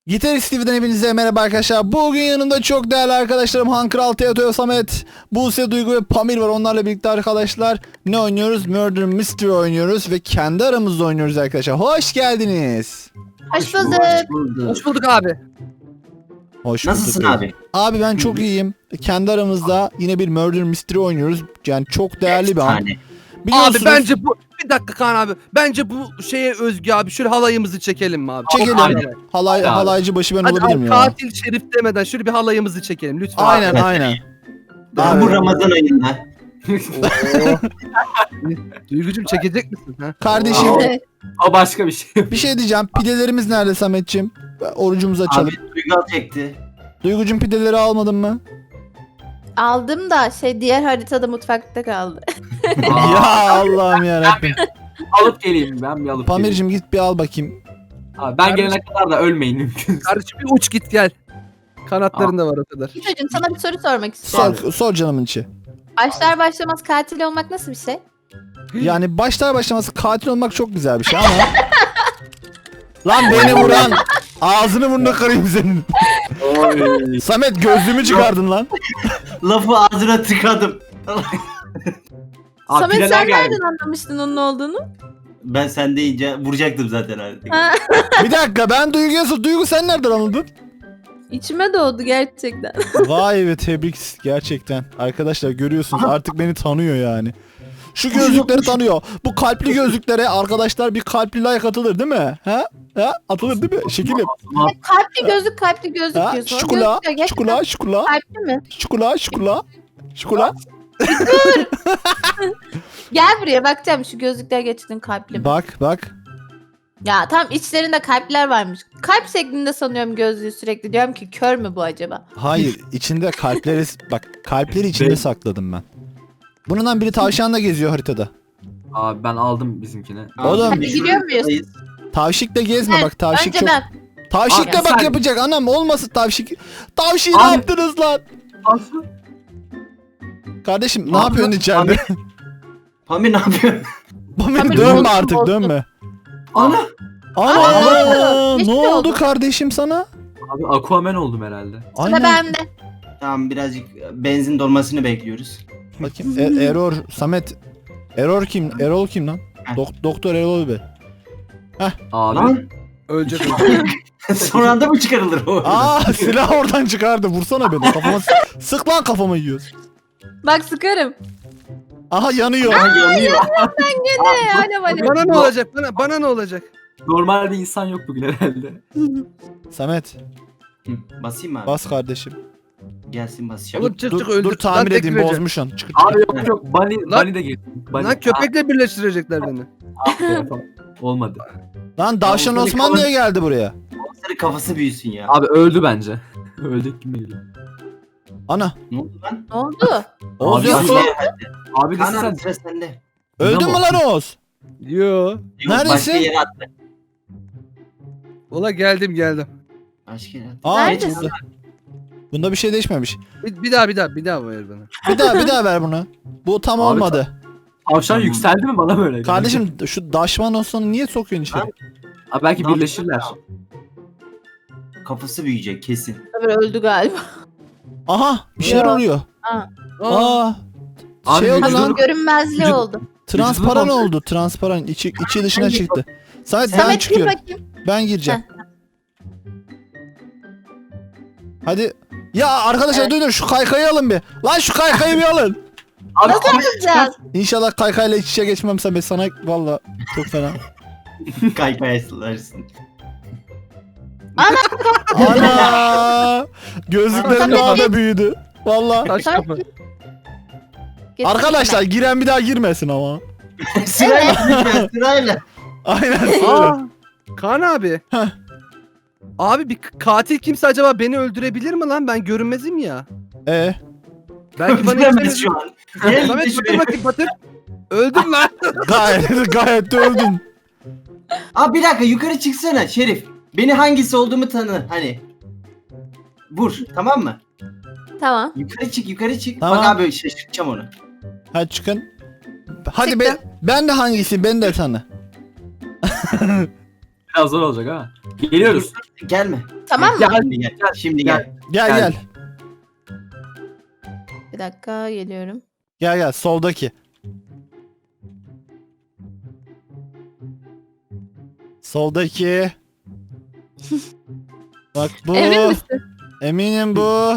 Gitarist TV'den hepinize merhaba arkadaşlar. Bugün yanımda çok değerli arkadaşlarım Han Kral, Teotoyo, Samet, Buse, Duygu ve Pamir var. Onlarla birlikte arkadaşlar ne oynuyoruz? Murder Mystery oynuyoruz ve kendi aramızda oynuyoruz arkadaşlar. Hoş geldiniz. Hoş bulduk. Hoş bulduk abi. Hoş Nasılsın bulduk. abi? Abi ben çok iyiyim. Kendi aramızda yine bir Murder Mystery oynuyoruz. Yani çok değerli bir an. Efsane. Biliyorsunuz. Abi bence bu bir dakika Kaan abi. Bence bu şeye özgü abi. Şöyle halayımızı çekelim mi abi? Çekelim. Aynen. Halaycı başı ben Hadi olabilirim abi, ya. katil şerif demeden şöyle bir halayımızı çekelim lütfen. Aynen Evet. aynen. Ben bu Ramazan ayında. Oo. Duygucuğum çekecek misin? Ha? Kardeşim Evet. O başka bir şey. bir şey diyeceğim. Pidelerimiz nerede Sametciğim? Orucumuzu açalım. Abi Duygu çekti. Duygucum pideleri almadın mı? Aldım da diğer haritada mutfakta kaldı. Ya Allah'ım yarabbim. Alıp geleyim ben bir alıp Pamir'cim git bir al bakayım. geleyim. Abi ben gelene kadar da ölmeyin mümkün. Kardeşim bir uç git gel. Kanatların da var o kadar. Çocuğum sana bir soru sormak istiyorum. Sor canımın içi. Başlar başlamaz katil olmak nasıl bir şey? Yani başlar başlaması katil olmak çok güzel bir şey ama... Lan beni vuran ağzını burnuna kırayım senin. Oy. Samet gözlüğümü çıkardın lan. Lafı ağzına tıkadım. Abi Samet pideler sen geldi. nereden anlamıştın onun olduğunu? Ben sen deyince vuracaktım zaten artık. Ha, Bir dakika ben Duygu'ya sor. Duygu sen nereden anladın? içime doğdu gerçekten. Vay be tebrik gerçekten. Arkadaşlar görüyorsunuz artık beni tanıyor yani. Şu gözlükleri tanıyor. Bu kalpli gözlüklere arkadaşlar bir kalpli like atılır değil mi? Ha? Ha? Atılır değil mi? Şekilim. Kalpli gözlük Ha? diyorsun. O Şukula, gözlükler gerçekten şukula, şukula, Kalpli mi? şukula, şukula, şukula. Gel buraya bakacağım şu gözlükler gerçekten kalpli mi? Bak bak. Ya tam içlerinde kalpler varmış. Kalp şeklinde sanıyorum gözlüğü sürekli. Diyorum ki kör mü bu acaba? Hayır içinde kalpleri bak kalpleri içinde Ben- sakladım ben. Bundan biri tavşanla geziyor haritada. Abi ben aldım bizimkini. Oğlum. Hadi giriyor muyuz? Tavşikle gezme Evet, bak tavşik Önce çok. ben. Tavşikle Abi, bak sen- yapacak anam olmasın tavşik. Tavşiği ne Abi. yaptınız lan? Kardeşim ne Abi, yapıyorsun içeride? Pamir ne yapıyor? Pamir Pamir dönme bozdu, artık bozdu. dönme. Ana. Ana Aa, ne geçti oldu oldu. kardeşim sana? Abi Aquaman oldum herhalde. Sıra bende. Tamam birazcık benzin dolmasını bekliyoruz. Bakayım Error Samet. Errol kim lan? Doktor Errol be. Abi Lan Ölecek. son anda mı çıkarılır o? Aa silah oradan çıkardı. Vursana beni. Kafama sık lan kafama yiyorsun. Bak sıkarım. Aha yanıyor. Yanıyor. Hala hala. Bana ne olacak? Bana ne olacak? normal bir insan yok bugün herhalde. Samet Hı, basayım mı abi? bas kardeşim. Gelsin basacağım. Oğlum çık Dur, çık öldür. dur tamir Lan tek edeyim vereceğim. bozmuşsun. Çık. Abi yok Bunny Lan- de geldi. Bunny. Lan köpekle birleştirecekler beni. Olmadı. Lan Davşan Lan, Osman niye geldi buraya? Monster'ın kafası büyüsün ya. Abi öldü bence. Öldü kim bilir. Ana. Ne oldu lan? Ne oldu? Oğuz Abi, yok. abi, Abi de Kaan sen abi sıra sende. Öldün mü lan Oğuz? Yo. Yok, Neredesin? Başka yere attı. Ola geldim. Başka yere attı. Aa Neredesin? bunda bir şey değişmemiş. Bir daha ver bana. Bir daha ver bunu. Bu tam Abi, olmadı. tavşan Tamam. yükseldi mi bana böyle? Kardeşim şu Daşman Osman'ı niye sokuyorsun içeri? Abi belki Ne birleşirler. Kafası büyüyecek kesin. Tabii öldü galiba. Aha bir şeyler Ya. oluyor. Aa. Aa Abi şey oldu vücudu- lan. Görünmezliği Vücut- oldu. Transparan vücudu- oldu. Transparan. İçi dışına Hangi- çıktı. Samet ben Samet gir çıkıyorum. bakayım. Ben gireceğim. Hadi. Ya arkadaşlar Evet. duydun şu kaykayı alın bir. Lan şu kaykayı bir alın. Abi Yapacağız. İnşallah kaykayla iç içe geçmem Samet sana valla çok fena. Kaykaya sılarsın. Ana! Gözlüklerim daha da büyüdü. Valla. Taş Samet kapı. gir. Getir Arkadaşlar içime. giren bir daha girmesin ama. Sırayla gideceğiz, sırayla. Aynen. Aa. Kaan abi. Heh. Abi bir katil kimse acaba beni öldürebilir mi lan? Ben görünmezim ya. Belki bana Öldüremez şu an. Gel Samet git batır şuraya. bakayım batır. Öldüm lan. Gayet de öldün. Abi bir dakika yukarı çıksana Şerif. Beni hangisi olduğumu tanı hani. Vur tamam mı? Tamam. Yukarı çık. Tamam. Bak abi şaşırtacağım onu. Hadi çıkın. Hadi Çıktım. ben de hangisiyim ben de tanı. biraz zor olacak ha. Geliyoruz. Gelme. Tamam mı? Gel. Şimdi gel. Şimdi gel. Gel Gel. gel. Bir dakika geliyorum. Gel gel soldaki. Soldaki. Bak bu. Emin misin? Eminim bu.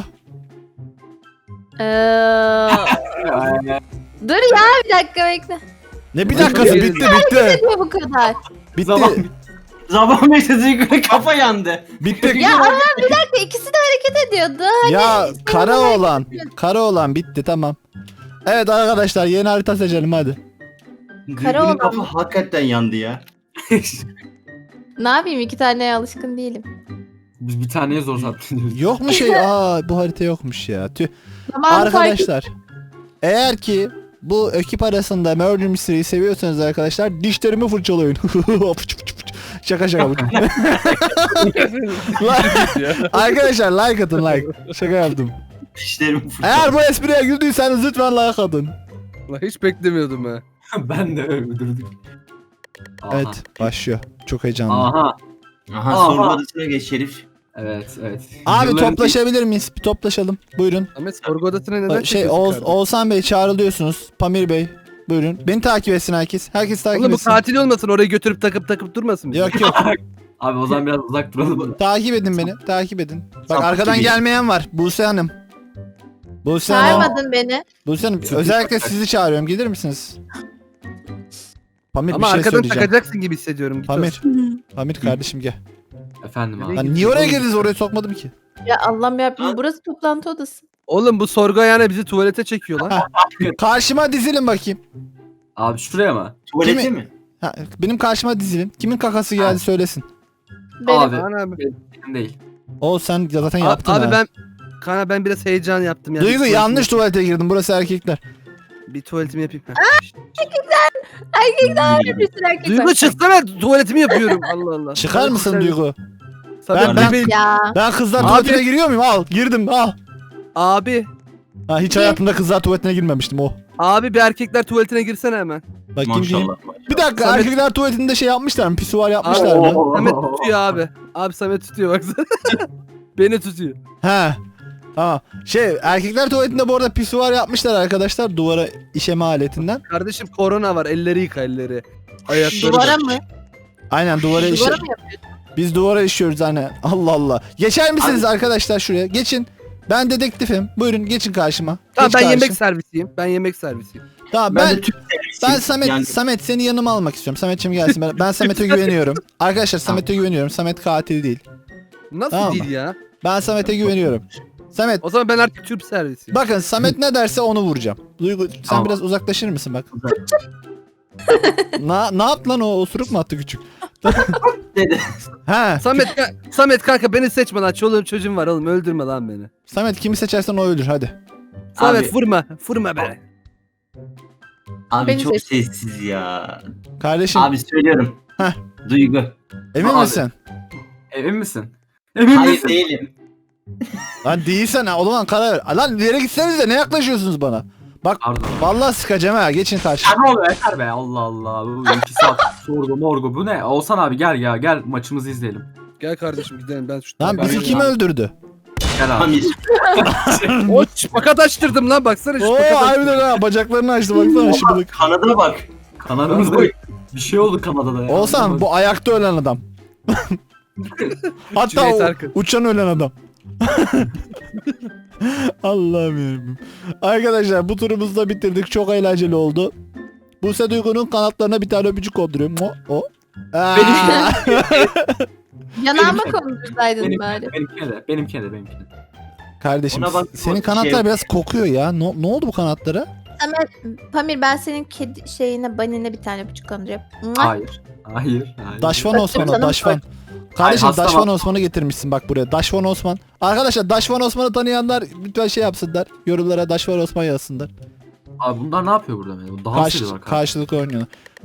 Dur ya bir dakika bekle. Ne bir dakikası bitti bitti. Ne bu kadar? Zaman Bitti. Zaman mesajı yukarı kafa yandı. Bitti. Ya ama bir dakika ikisi de hareket ediyordu. Ya kara olan bitti tamam. Evet arkadaşlar yeni harita seçelim hadi. Kara Duygu'nun olan kafa mı? hakikaten yandı ya. Ne yapayım 2 taneye alışkın değilim. Biz bir taneye zor sattınız. Yok mu şey? Bu harita yokmuş ya. Tüh. Tamam Arkadaşlar eğer ki bu ekip arasında Murder Mystery'yi seviyorsanız arkadaşlar dişlerimi fırçalayın. Şaka şaka. Arkadaşlar like atın like. Şaka yaptım. Dişlerim Eğer bu espriye güldüyseniz lütfen like atın. Lan hiç beklemiyordum ha. Ben de öldürdüm. Aha. Evet başlıyor. Çok heyecanlı. Aha. Aha Aha. sorgu odasına geç Şerif. Evet evet. Abi Yılların- toplaşabilir miyiz? Bir toplaşalım. Buyurun. Ahmet sorgu odasına neden Şey çekiyorsun kardeşim? Oğuzhan Bey çağrılıyorsunuz. Pamir Bey. Buyurun. Beni takip etsin herkes. Herkes takip Oğlum bu etsin. katil olmasın orayı götürüp takıp durmasın. bizi? Yok yok. Abi o zaman biraz uzak duralım. Takip edin beni. Takip edin. Bak Sapık arkadan gibi. gelmeyen var. Buse Hanım. Buse Hanım. Çağırmadın beni. Buse Hanım Süper. özellikle sizi çağırıyorum. Gelir misiniz? Pamir Ama bir şey arkadan söyleyeceğim. takacaksın gibi hissediyorum. Git Pamir. Pamir kardeşim gel. Efendim abi. Lan niye oraya geldiniz? Oraya sokmadım ki. Ya Allah'ım yarabbim burası toplantı odası. Oğlum bu sorgu ayağına bizi tuvalete çekiyor lan. Karşıma dizilin bakayım. Abi şuraya mı? Tuvalete Kimi- mi? Ha, benim karşıma dizilin. Kimin kakası geldi söylesin. Benim. Abi. Kaan abi. Benim değil. O sen zaten yaptın Abi ha. ben biraz heyecan yaptım ya. Duygu Bir yanlış tuvaletimi- tuvalete girdim. Burası erkekler. Bir tuvaletimi yapayım. Ha. Erkekler bir sürü erkek Duygu var. çıksana tuvaletimi yapıyorum. Allah Allah. Çıkar mısın Duygu? Samet Ben- bebeğim. Ya. Ben kızlar Abi- tuvaletine giriyor muyum? Al girdim al. Abi. Ha, hiç hayatımda kızlar tuvaletine girmemiştim o. Abi bir erkekler tuvaletine girsene hemen. Bakayım diyeyim. Maşallah. Bir dakika Samet- erkekler tuvaletinde şey yapmışlar mı? Pisuar yapmışlar Abi- mı? Samet tutuyor abi. Abi Samet tutuyor baksana. Beni tutuyor. He. Tamam. Şey erkekler tuvaletinde bu arada pisuar yapmışlar arkadaşlar duvara işeme aletinden. Kardeşim korona var. Elleri yıka elleri. Ayakları. Duvara mı? Aynen duvara işe. Duvara mı yapıyorsun? Biz duvara işiyoruz hani. Allah Allah. Geçer misiniz arkadaşlar şuraya? Geçin. Ben dedektifim. Buyurun geçin karşıma. Tamam Geç ben karşı. yemek servisiyim. Ben yemek servisiyim. Tamam Ben ben de Türk servisiyim. Samet Yani Samet seni yanıma almak istiyorum. Sametçim gelsin. Ben Samet'e güveniyorum. Arkadaşlar Samet'e güveniyorum. Samet katil değil. Nasıl Tamam değil ya? Ben Samet'e güveniyorum. Samet O zaman ben artık Türk servisiyim. bakın Samet ne derse onu vuracağım. Duygu sen Tamam. biraz uzaklaşır mısın bak. Ne yaptı lan o osuruk mu attı küçük? dedi. He. Samet kanka beni seçme lan. Çoluğum çocuğum var oğlum öldürme lan beni. Samet kimi seçersen o ölür hadi. Samet vurma beni. Abi Beni çok seç. sessiz ya. Kardeşim Abi söylüyorum. Heh. Duygu. emin Abi. misin? Emin misin? Emin Hayır misin? değilim. Lan değilsen ha o zaman karar ver. Lan ileri gitsenize ne yaklaşıyorsunuz bana? Bak Pardon. vallahi sıkacağım ha geçin karşı. Ya ne oluyor yeter be Allah Allah. Bu 2 saat sorgu morgu bu ne? Oğuzhan abi gel maçımızı izleyelim. Gel kardeşim gidelim ben şu. Lan bizi Ben- kim öldürdü? Gel abi. Pamir. O şpakat açtırdım lan baksana Oo şpakat açtırdım. harbiden ha bacaklarını açtı baksana şıbılık. Kanada bak. Kanadımızda bir şey oldu Kanada'da ya. Oğuzhan bu ayakta ölen adam. Hatta Cüneyt o Arkın. uçan ölen adam. Allah'ım yarabbim. Arkadaşlar bu turumuzu da bitirdik. Çok eğlenceli oldu. Buse Duygu'nun kanatlarına bir tane öpücük konduruyorum. O. Aa! Yanağıma kondursaydın Benim- bari. Benimkine de. Kardeşim Ona bak, senin şey kanatlar yok. biraz kokuyor ya. Ne oldu bu kanatlara? Samet, Pamir ben senin kedi şeyine banine bir tane öpücük kondurayım. Hayır. Daşvan Osman o canım, Daşvan. Kardeşim hasta Daşvan bak. Osman'ı getirmişsin bak buraya. Daşvan Osman. Arkadaşlar Daşvan Osman'ı tanıyanlar lütfen şey yapsınlar. Yorumlara Daşvan Osman yazsınlar. Abi bunlar ne yapıyor burada? Dans ediyorlar. Karşılıklı oynuyorlar.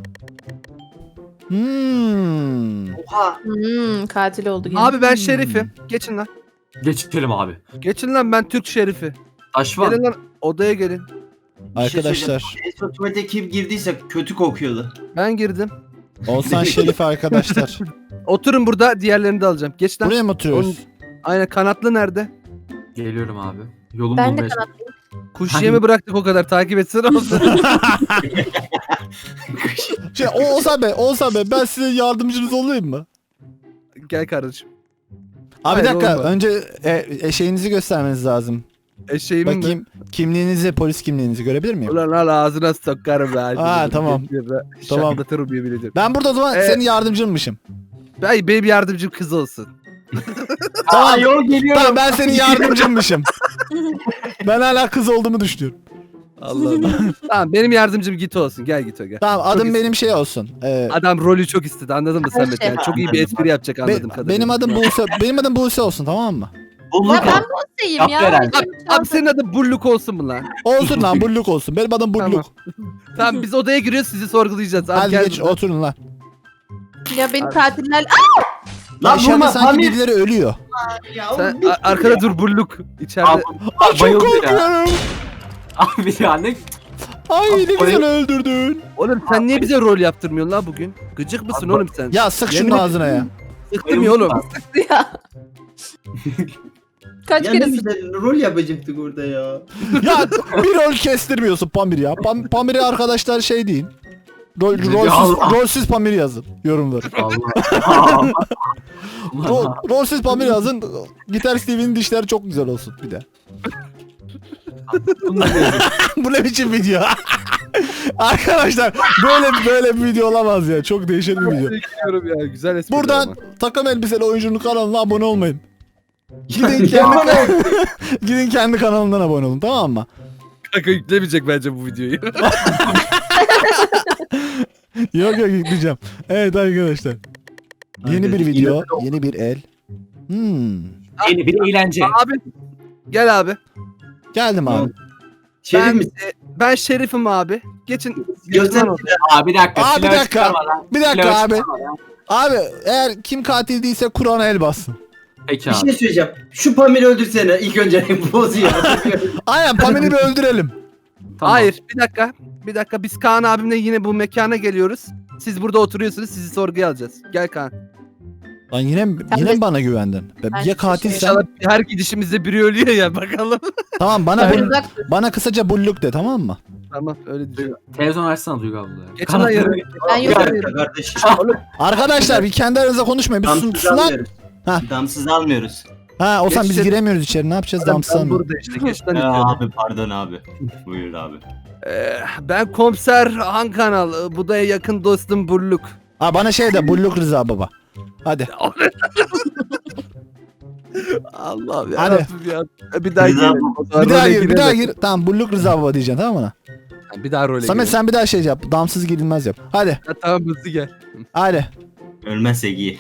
Hmm. Oha. Katil oldu gene. Abi ben şerifim. Geçin lan. Geçelim abi. Geçin lan ben Türk şerifi. Daşvan. Gelin lan odaya gelin. Bir şey Arkadaşlar söyleyeceğim. En son tuvalete kim girdiyse kötü kokuyordu. Ben girdim. Oğuzhan Şerif arkadaşlar. Oturun burada diğerlerini de alacağım. Geç lan. Buraya mı oturuyoruz? Aynen kanatlı nerede? Geliyorum abi. Yolum Ben de bulmaya kanatlıyım. Kuş yemi bıraktık o kadar takip etsene olsun. Oğuzhan Bey ben sizin yardımcınız olayım mı? Gel kardeşim. Abi bir Hayır, dakika olma. önce şeyinizi göstermeniz lazım. Eşeğimin mi? Bakayım kimliğinizi, polis kimliğinizi görebilir miyim? Ulan al ağzına sokarım ben. Tamam. Tamam. Şaklatırım yemin ederim. Ben burada o zaman senin yardımcınmışım. Benim yardımcım kız olsun. Aa yol geliyor. Tamam ben senin yardımcınmışım. Ben hala kız olduğumu düşünüyorum. Allah Allah. Tamam benim yardımcım Gito olsun. Gel Gito gel. Tamam Çok adım istedim. benim şey olsun. Adam rolü çok istedi anladın mı Samet? Şey. Yani çok iyi bir espri yapacak anladım kadarıyla. Benim adım Buse olsun tamam mı? Bulduk Ya ben abi. Buse'yim Yap ya. veren. Abi senin adın Bulluk olsun mu lan? Olsun lan bulluk olsun. Benim adım bulluk. Tamam. Tamam biz odaya giriyoruz sizi sorgulayacağız. Abi Hadi gel geç buradan. oturun lan. Ya beni katiller... Lan İçeride vurma sanki Pamir. birileri ölüyor. Ya, Sen arkada dur Bulluk. İçeride. Abi, Ay çok bayıldı ya. korkuyorum. Abi ya ne? Ay ne Ay. güzel öldürdün. Oğlum sen niye bize rol yaptırmıyorsun lan bugün? Gıcık mısın Abi, oğlum sen? Ya sık Yemin şunun ederim. ağzına ya. Sıktım ya oğlum. ya. Kaç Ya kere ne güzel rol yapacaktık orada ya. Ya bir rol kestirmiyorsun Pamir ya. Pamir'e arkadaşlar şey deyin. Allah. Rolsüz Pamir yazın yorumları. Allah. Rolsüz Pamir yazın. Gitar Steve'in dişleri çok güzel olsun bir de. Bu ne biçim video? Arkadaşlar böyle bir video olamaz ya. Çok değişik bir video. Bekliyorum ya güzel espri. Buradan takım elbiseli oyuncunun kanalına abone olmayın. Ya, Gidin kendi kanalından abone olun tamam mı? Kanka yüklemeyecek bence bu videoyu. Yok yükleyeceğim. Evet arkadaşlar. Yeni bir video, yeni bir el. Yeni bir eğlence. Abi gel abi. Geldim abi. Şerif Ben, misin? ben Şerif'im abi. Geçin. Göster. Abi bir dakika. Abi, bir silahı dakika. çıkarma lan. Bir dakika Silahı abi. çıkarma lan. Abi eğer kim katil değilse Kur'an'a el bassın. Peki Bir abi. şey söyleyeceğim. Şu Pamir'i öldürsene ilk önce bozuyor. Aynen Pamir'i bir öldürelim. Tamam. Hayır bir dakika. Bir dakika biz Kaan abimle yine bu mekana geliyoruz. Siz burada oturuyorsunuz sizi sorguya alacağız. Gel Kaan. Lan yine mi bana güvendin? Ben Ya katilsen İnşallah her gidişimizde biri ölüyor ya bakalım. tamam Ben uzak dur. bana kısaca bulluk de tamam mı? Tamam öyle diyeceğim. Televizyon açsana Duygu abla. Geç lan yarın. Ben Bir yok. dakika kardeşim. Arkadaşlar bir kendi aranızda konuşmayın. Bir Damsız sus lan. almıyoruz. Ha. Damsız almıyoruz. Ha o zaman biz Geç- giremiyoruz içeri. Ne yapacağız damsız Ben mı? burada işte geç lan Ya içeri. abi pardon abi. Buyur abi. Ben komiser Han Kanal. Bu da yakın dostum Bulluk. Ha bana şey de bulluk Rıza baba. Hadi. Allah'ım ya. Hadi. Rabbim ya. Bir daha Rıza gir. Bir daha gir, bir daha gir. Tamam bulluk Rıza baba diyeceksin tamam mı? Bir daha role Samet gir. sen bir daha şey yap. Damsız girilmez yap. Hadi. Ha, tamam hızlı gel. Hadi. Ölmezsek iyi.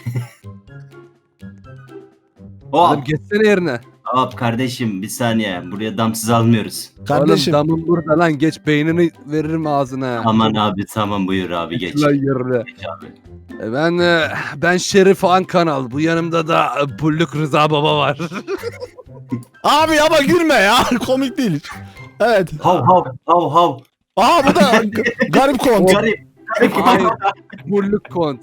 Oğlum Hop geçsene yerine. hop kardeşim bir saniye. Buraya damsız almıyoruz. Kardeşim. Oğlum damın burada lan geç beynini veririm ağzına. Aman abi tamam buyur abi geç. Lan yerine. Geç abi. Ben Şerif Han Kanal. Bu yanımda da Bulluk Rıza Baba var. Abi ama gülme ya. Komik değil. Evet. Hav hav hav hav. Aha bu da garip kont. Garip. Hayır. Bulluk Kont.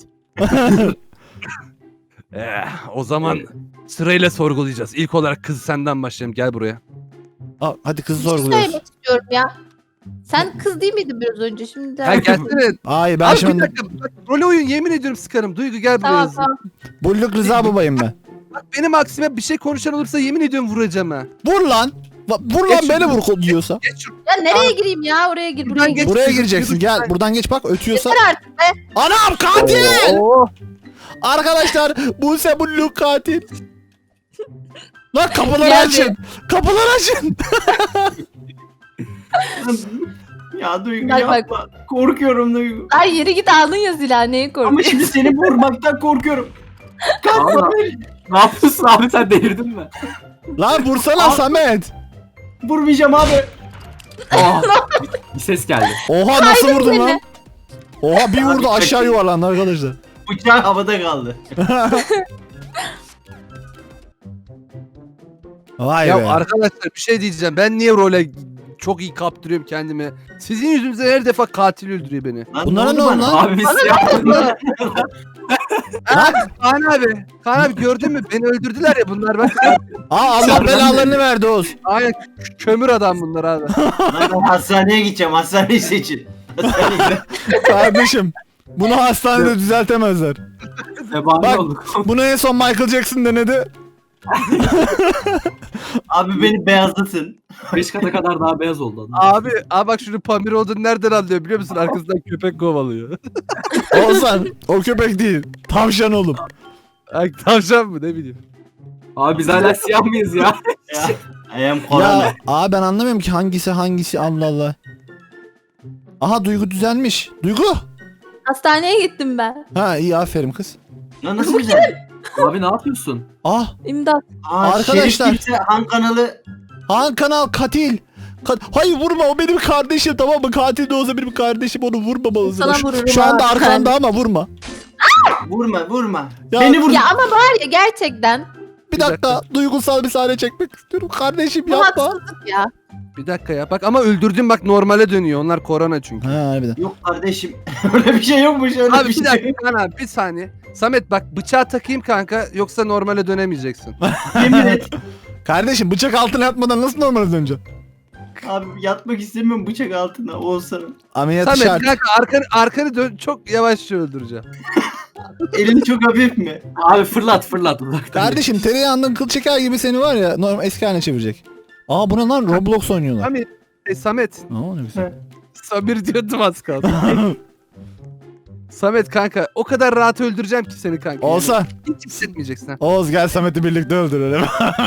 O zaman sırayla sorgulayacağız. İlk olarak kız senden başlayalım. Gel buraya. Aa, hadi kızı Bir şey sorguluyoruz. söylemek istiyorum ya. Sen kız değil miydin biraz önce? Şimdi de... Ha gelsene. Hayır ben Abi bir şimdi dakika. Bak, rol oyun yemin ediyorum sıkarım. Duygu gel buraya. Tamam hızlı. tamam. bulluk Rıza babayım ben. Bak benim aksime bir şey konuşan olursa yemin ediyorum vuracağım ha. Vur lan. Vur lan Geç beni şunu. vur diyorsa. Geç şu. Ya nereye gireyim ya? Oraya gir. Buraya Buradan gir. geç. Buraya gireceksin gel. Buradan geç bak ötüyorsa. Yeter artık be. Anam katil. Oo. Arkadaşlar Buse bulluk katil. Lan kapıları Geldi. açın. Kapıları açın. Ya Duygu Bak, yapma. Korkuyorum Duygu. Ay yeri git aldın ya silahı. Neyi Ama korkuyorsun? şimdi seni vurmaktan korkuyorum. Kaç Allah. Pamir. Ne yapıyorsun abi sen delirdin mi? Lan vursana Abi. Samet. Vurmayacağım abi. Aa, bir ses geldi. Oha nasıl vurdun beni. lan? Oha bir vurdu Abi, aşağı çok iyi. yuvarlandı arkadaşlar. Bıçağın havada kaldı. Vay Ya be. arkadaşlar bir şey diyeceğim. Ben niye role çok iyi kaptırıyorum kendimi. Sizin yüzünüzden her defa katil öldürüyor beni. Lan Bunlara oldu ne oldu bana? lan? Abi biz ya. Kaan abi. Kaan abi gördün mü? Beni öldürdüler ya bunlar bak. Allah belalarını verdi Oğuz. Aynen kömür adam bunlar abi. Lan ben hastaneye gideceğim. Hastaneyi seçin. Kardeşim bunu hastanede düzeltemezler. Zebani Bak. olduk. Bunu en son Michael Jackson denedi. Abi beni beyazlatın. 5 kata kadar daha beyaz oldu adam. Abi bak şunu Pamir olduğunu nereden anlıyor biliyor musun? Arkasından köpek kovalıyor. Oğuzhan o köpek değil. Tavşan oğlum. Ay, tavşan mı ne bileyim. Abi biz hala siyah mıyız ya? Ya. I am corona. Ya ben anlamıyorum ki hangisi Allah Allah. Aha Duygu düzelmiş. Duygu. Hastaneye gittim ben. Ha iyi aferin kız. Lan nasıl güzel? Abi ne yapıyorsun? Ah İmdat. Arkadaşlar. Şerif kimse Han kanalı. Han kanal katil. Hayır vurma o benim kardeşim tamam mı? Katil de olsa benim kardeşim onu vurmamalısın. Sana Şu, vururum şu anda abi. arkanda ama vurma. Vurma. Ya- Beni vur. Ya ama var ya gerçekten. Bir dakika duygusal bir sahne çekmek istiyorum. Kardeşim Bu yapma. haksızlık ya. Bir dakika ya bak ama öldürdün bak normale dönüyor. Onlar korona çünkü. Ha harbiden. Yok kardeşim. Öyle bir şey yokmuş. Öyle Abi bir şey. bir dakika Kaan abi bir saniye. Samet bak bıçağı takayım kanka yoksa normale dönemeyeceksin. Yemin et. Kardeşim bıçak altına yatmadan nasıl normale döneceksin? Abi yatmak istemiyorum bıçak altına. Olsana. Ameliyat Samet şart. kanka arkanı dön çok yavaşça öldüreceğim. Elini çok hafif mi? Abi fırlat uzaktan. Kardeşim tereyağından kıl çeker gibi seni var ya normal eski haline çevirecek. Aa bu ne lan Roblox oynuyorlar. Samet. Aa ne güzel. Samir diyordum az kaldı. Samet kanka o kadar rahat öldüreceğim ki seni kanka. Olsa. Hiç hissetmeyeceksin ha. Oğuz gel Samet'i birlikte öldürelim.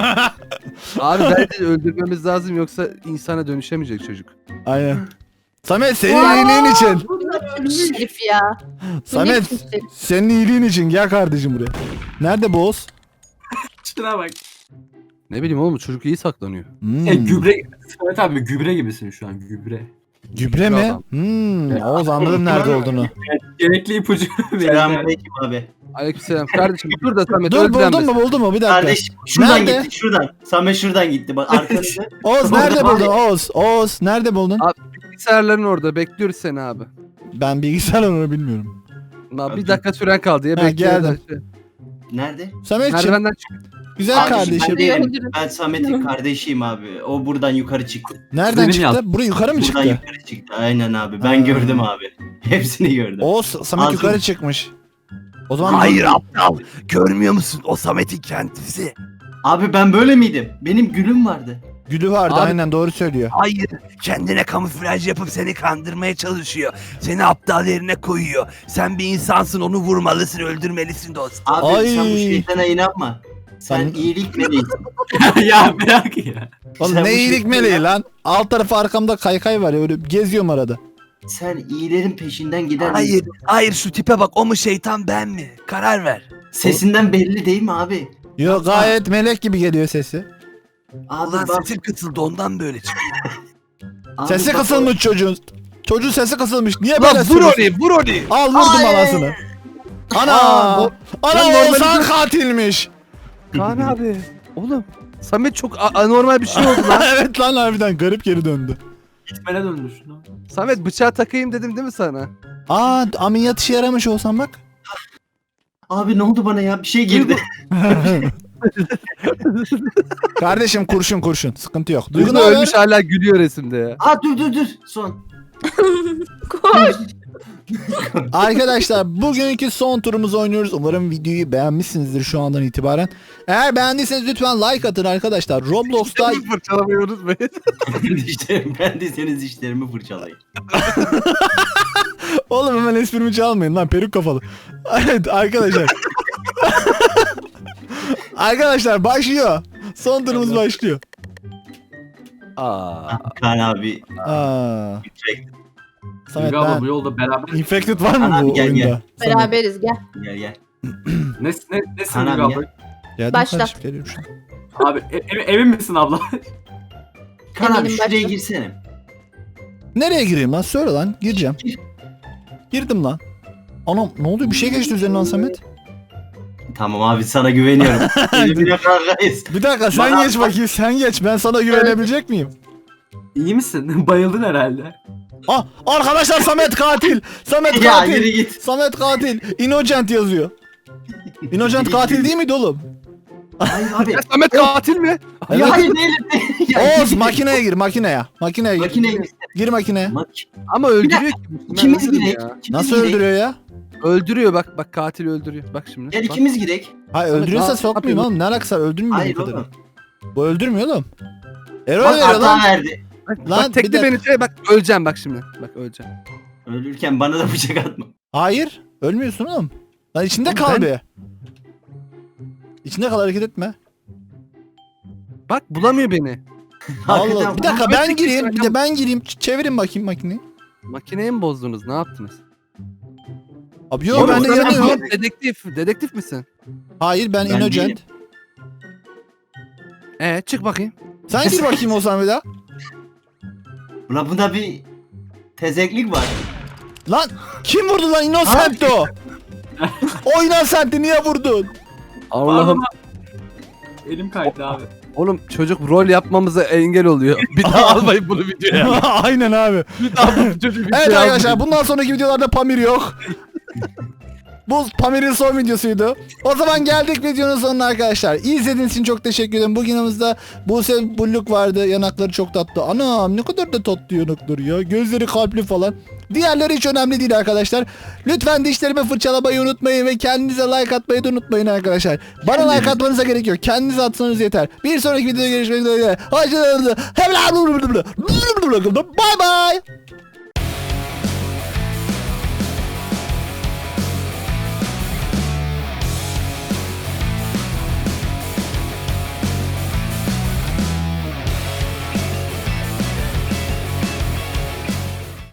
Abi bence öldürmemiz lazım yoksa insana dönüşemeyecek çocuk. Aynen. Samet senin iyiliğin için. Şerif ya. Samet senin iyiliğin için gel kardeşim buraya. Nerede bu Oğuz? Şuna bak. Ne bileyim oğlum çocuk iyi saklanıyor. Gübre. Evet abi gübre gibisin şu an gübre. Gübre mi? Adam. Oğuz anladım nerede olduğunu. Gerekli ipucu verildi. Selamünaleyküm abi. Aleykümselam kardeşim dur da Samet Dur öldürenmesin. buldun mu bir dakika. Kardeşim şuradan Nerede? gitti şuradan. Samet şuradan gitti bak arkanızda. Oğuz nerede Abi. buldun Oğuz nerede buldun? Abi. Bilgisayarların orada bekliyoruz seni abi. Ben bilgisayar onu bilmiyorum. Abi, bir dakika süren kaldı ya Ha, bekliyoruz. geldim. Nerede? Sametciğim Merdivenden çık. güzel Abi, kardeşim. Ben, değilim. Öldürün. Ben Samet'in kardeşiyim abi. O buradan yukarı çıktı. Nereden Benim çıktı? yaz. Buraya yukarı mı Buradan çıktı? yukarı çıktı. Aynen abi. Ben Ha. gördüm abi. Hepsini gördüm. Oğuz Samet Ağzım- yukarı çıkmış. O zaman aptal. Görmüyor musun? O Samet'in kendisi. Abi ben böyle miydim? Benim gülüm vardı. Gülü vardı Abi- aynen doğru söylüyor. Hayır, kendine kamuflaj yapıp seni kandırmaya çalışıyor. Seni aptal yerine koyuyor. Sen bir insansın, onu vurmalısın, öldürmelisin dostum. Abi Ay. sen bu şeytana inanma. Sen Sen- iyilik meleğisin. Ya bırak ya. Oğlum Sen ne bu iyilik şey- meleği lan. Alt tarafı arkamda kaykay var ya öyle geziyorum arada. Sen iyilerin peşinden giden Hayır, hayır şu tipe bak, o mu şeytan ben mi? Karar ver. Sesinden belli değil mi abi? Yo gayet melek gibi geliyor sesi. Abi Ulan bak. sesin kısıldı ondan böyle çıkıyor. Abi Sesi bak- kısılmış çocuğun. Çocuğun sesi kısılmış. Niye Lan böyle vur söylüyorsun? onu vur onu. Al vurdum Ay. anasını. Ana! Aa, Ana ben normali- Oğuzhan katilmiş. Kaan abi. Oğlum Samet çok anormal bir şey oldu lan. Evet lan harbiden garip geri döndü. Gitmene döndür şunu. Samet bıçağı takayım dedim değil mi sana? Aa ameliyat işe yaramış olsan bak. Abi ne oldu bana ya? Bir şey girdi. Kardeşim kurşun sıkıntı yok. Duygu Duygu ne haber? ölmüş hala gülüyor resimde ya. Aa dur. Son. Koş. Arkadaşlar bugünkü son turumuzu oynuyoruz. Umarım videoyu beğenmişsinizdir şu andan itibaren. Eğer beğendiyseniz lütfen like atın arkadaşlar. Roblox'ta Fırçalamayı unutmayın. Ben de senin dişlerimi fırçalayayım. oğlum hemen esprimi çalmayın lan peruk kafalı. Evet arkadaşlar. Arkadaşlar başlıyor. Son turumuz başlıyor. Aa. Kaan abi. Aa. Samet Duygu abla ben... bu yolda beraber. Infected var mı Abi bu gel, oyunda? Samet. Beraberiz gel. Gel. Nesin Kaan Duygu abi abla? Geldim Başla. kardeşim, geliyorum şu an. Abi emin misin abla? Kaan abi Eminim şuraya başla. girsene. Nereye gireyim lan? Söyle lan. Gireceğim. Girdim lan. Anam ne oldu? Bir şey geçti üzerinden Samet. Tamam abi sana güveniyorum. Elimine kargayız. Bir dakika sen Bana- geç bakayım sen geç. Ben sana güvenebilecek miyim? İyi misin? Bayıldın herhalde. Ah arkadaşlar Samet katil. Samet Ya katil. yürü git. Samet katil. Innocent yazıyor. Innocent katil değil miydi oğlum? Hayır abi. Ya Samet katil mi? Ya hayır değilim. Ya, Oğuz makineye gir makineye. Makineye gir. Makineye Gir makineye. Ama öldürüyor ki. İkimiz Ben girek. ya. Nasıl öldürüyor ya? Öldürüyor bak katil öldürüyor. Bak şimdi. Gel bak. ikimiz girek. Hayır öldürüyorsa Aa, sokmayayım yapıyor. oğlum. Ne alakası var? Öldürmüyor Hayır bu kadar. oğlum. Bu öldürmüyor oğlum. Error Bak veriyor hata lan. verdi. Bak, Lan, bak tekli bir beni şey bak öleceğim bak şimdi. Bak öleceğim. Ölürken bana da bıçak atma. Hayır. Ölmüyorsun oğlum. Lan içinde Oğlum kal ben- bir. İçinde kal hareket etme. Bak bulamıyor beni. Allah. Hakikaten Bir dakika ben ben tek gireyim. Bir başına- de ben gireyim. Çevirin bakayım makineyi. Makineyi mi bozdunuz? Ne yaptınız? Abi yok Oğlum, ben de sen- yanıyorum. Dedektif misin? Hayır ben Ben Innocent. değilim. Çık bakayım. Sen gir bakayım o zaman bir daha. Ulan bunda bir tezeklik var. Lan kim vurdu lan Innocent o? O Innocent'i niye vurdun? Allah'ım. Elim kaydı abi. Oğlum çocuk rol yapmamıza engel oluyor. Bir daha almayın bunu videoya. Aynen abi. Bir daha bu çocuğu videoya Evet arkadaşlar almayın. bundan sonraki videolarda Pamir yok. Bu Pamir'in son videosuydu. O zaman geldik videonun sonuna arkadaşlar. İzlediğiniz için çok teşekkür ederim. Bugün yanımızda Buse Bulluk vardı. Yanakları çok tatlı. Anam ne kadar da tatlı yanakları ya. Gözleri kalpli falan. Diğerleri hiç önemli değil arkadaşlar. Lütfen dişlerimi fırçalamayı unutmayın ve kendinize like atmayı da unutmayın arkadaşlar. Bana like atmanıza gerek yok. Kendinize atsanız yeter. Bir sonraki videoda görüşmek üzere. Hoşçakalın. Bye bye.